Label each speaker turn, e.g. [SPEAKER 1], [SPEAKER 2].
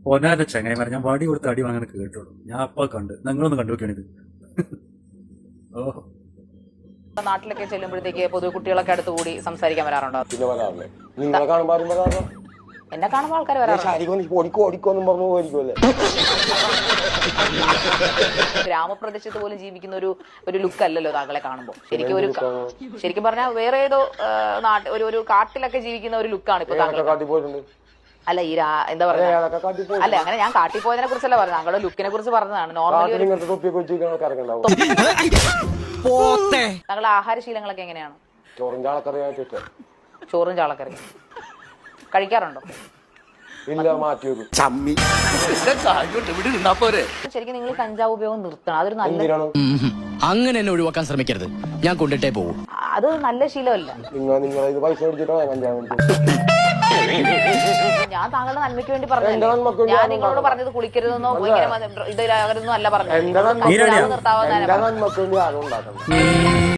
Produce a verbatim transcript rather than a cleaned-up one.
[SPEAKER 1] പൊന്നാന്റെ ചങ്ങായിമാരെ ഞാൻ വടി കൊടുത്ത് അടി വാങ്ങാൻ കേട്ടോളൂ. ഞാൻ അപ്പൊ കണ്ട് നിങ്ങളൊന്ന് കണ്ടുവെക്കാണിത്. ഓ
[SPEAKER 2] നാട്ടിലൊക്കെ ചെല്ലുമ്പോഴത്തേക്ക് പൊതുവെ കുട്ടികളൊക്കെ അടുത്ത് കൂടി സംസാരിക്കാൻ വരാറുണ്ടോ?
[SPEAKER 3] പിന്നെ വരാറില്ലേ? നിങ്ങളെ കാണുമ്പോ ആരും വരാറില്ല.
[SPEAKER 2] എന്നെ കാണുമ്പോൾ ആൾക്കാർ വരാറുണ്ട്.
[SPEAKER 3] ഓടിക്കോ ഓടിക്കോന്നും പറഞ്ഞു പോയിരിക്കുമല്ലേ.
[SPEAKER 2] ഗ്രാമപ്രദേശത്ത് പോലും ജീവിക്കുന്ന ഒരു ഒരു ലുക്ക് അല്ലല്ലോ താങ്കളെ കാണുമ്പോൾ. ശരിക്കും ഒരു ശരിക്കും പറഞ്ഞാൽ വേറെ ഏതോ നാട്ട് ഒരു ഒരു കാട്ടിലൊക്കെ ജീവിക്കുന്ന ഒരു ലുക്കാണ് ഇപ്പൊ താങ്കൾ.
[SPEAKER 3] കാട്ടി പോയിട്ടുണ്ട്.
[SPEAKER 2] അല്ല ഈ എന്താ പറയാ അല്ല അങ്ങനെ ഞാൻ കാട്ടിപ്പോയതിനെ കുറിച്ചല്ല പറഞ്ഞത്, താങ്കളുടെ ലുക്കിനെ കുറിച്ച് പറഞ്ഞതാണ്. നോർമലി താങ്കളുടെ ആഹാരശീലങ്ങളൊക്കെ എങ്ങനെയാണ്?
[SPEAKER 3] ചോറും ചാളക്കറിയായിട്ട്
[SPEAKER 2] ചോറും ചാളക്കറി കഴിക്കാറുണ്ടോ?
[SPEAKER 3] ഇല്ല, മാറ്റി വെക്കും.
[SPEAKER 2] ശരിക്കും നിങ്ങൾ കഞ്ചാവ് ഉപയോഗം നിർത്തണം. അതൊരു നല്ല
[SPEAKER 4] അങ്ങനെ എന്നെ ഒഴിവാക്കാൻ ശ്രമിക്കരുത്, ഞാൻ കൊണ്ടിട്ടേ പോകും.
[SPEAKER 2] അത് നല്ല ശീലമല്ല.
[SPEAKER 3] നിങ്ങൾ നിങ്ങൾ ഇത് പൈസ മേടിച്ചിട്ടാണ് കഞ്ചാവ്.
[SPEAKER 2] ഞാൻ താങ്കളുടെ നന്മയ്ക്ക് വേണ്ടി പറഞ്ഞു. ഞാൻ നിങ്ങളോട് പറഞ്ഞത് കുളിക്കരുതെന്നോ ഇങ്ങനെ ഇതിലാകരുതെന്നോ അല്ല പറഞ്ഞത്.
[SPEAKER 3] എന്റെ നന്മക്ക് വേണ്ടി ആരും ഉണ്ടാക്കണം.